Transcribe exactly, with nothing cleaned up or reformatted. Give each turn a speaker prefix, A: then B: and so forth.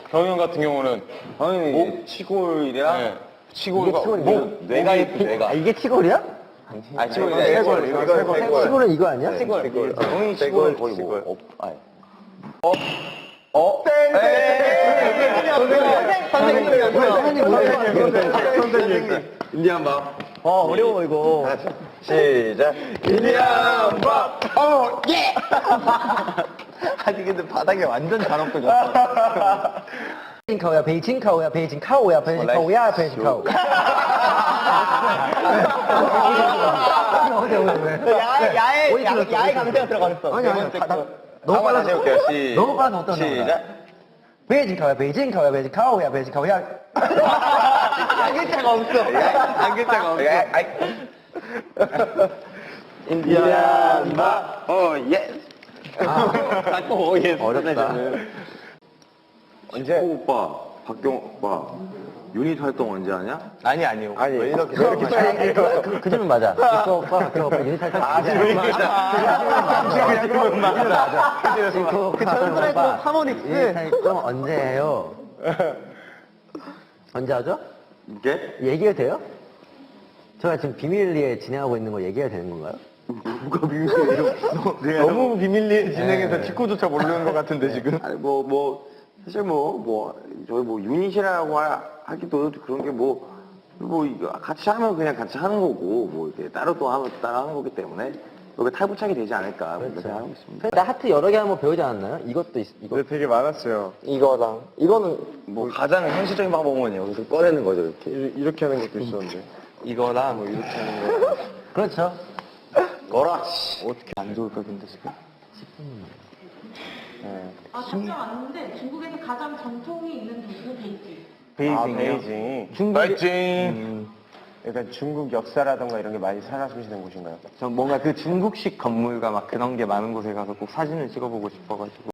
A: 경형 같은 경우는
B: 형이
A: 목
B: 치골이랑
A: 네.
C: 이게
A: 치골과
C: 치골이야?
A: 목
B: 뇌가 있고
C: 아,
B: 뇌가.
C: 이게 치골이야?
B: 아 치골
A: 이거 쇄골, 이거 쇄골.
C: 치골은 이거 아니야?
B: 치골. 형이 치골 거의 뭐 없. 아니.
A: 어?
B: 선생님. 인디안 밥.
C: 어, 어려워, 이거.
B: 시작. 인디안 밥. 어 예. 아니 근데 바닥에 완전 잘 엎어졌어.
C: 베이징카오야, 베이징카오야, 베이징카오야, 베이징카오야, 베이징카오. 어디, 어디, 왜?
D: 야외, 야외,
C: 어디
D: 야,
C: 들었어?
D: 야외
C: 어디
D: 강세가 들어갔어.
C: 아니, 아니, 다, 나, 너무
B: 한번 다시
C: 빨라서.
B: 해볼게요. 시.
C: 너무 빨라서 못 따라.
B: 시작.
C: 베이징카오야, 베이징카오야, 베이징카오야, 베이징카오야.
D: 한 글자가 없어.
B: 한 글자가 없어. 아이. 인디안 밥. 어 예. 오 예.
C: 어렵다.
B: 언제? 오빠, 박경 오빠, 유닛 활동 언제 하냐?
A: 아니 아니요.
B: 아니, 왜 이렇게
C: 그, 그, 그 점은 맞아. 이거 오빠, 박경 오빠 유닛 할때
B: 아, 지금 맞아. 지금 맞아.
C: 그
D: 전설의 하모닉스.
C: 유닛 활동 언제 해요? 언제 하죠?
B: 이게?
C: 얘기해도 돼요? 제가 지금 비밀리에 진행하고 있는 거 얘기해도 되는 건가요?
B: 누가 비밀이에요?
A: 너무 비밀리에 진행해서
C: 네.
A: 직구조차 모르는 것 같은데 지금.
B: 아니 뭐 뭐 사실 뭐 뭐 저희 뭐 유닛이라고 하, 하기도 그런 게 뭐 뭐 같이 하면 그냥 같이 하는 거고 뭐 이렇게 따로 또 하면 따로 하는 거기 때문에 여기 탈부착이 되지 않을까 그렇게
C: 그렇죠.
B: 하고 있습니다.
C: 나 하트 여러 개 한번 배우지 않았나요? 이것도 있, 이거.
A: 근데 되게 많았어요.
B: 이거랑 이거는 뭐 가장 현실적인 방법은 여기서 꺼내는 거죠 이렇게.
A: 이렇게 하는 것도 있었는데.
B: 이거랑 뭐 이렇게 하는 거.
C: 그렇죠.
B: 거라. 어떻게 안 좋을까 근데 지금.
E: 아, 답장 왔는데 중국에서 가장 전통이 있는 도구 베이징.
A: 아, 베이징.
C: 중국이-
A: 베이징. 약간 중국 역사라던가 이런 게 많이 살아 숨쉬는 곳인가요?
B: 전 뭔가 그 중국식 건물과 막 그런 게 많은 곳에 가서 꼭 사진을 찍어보고 싶어가지고.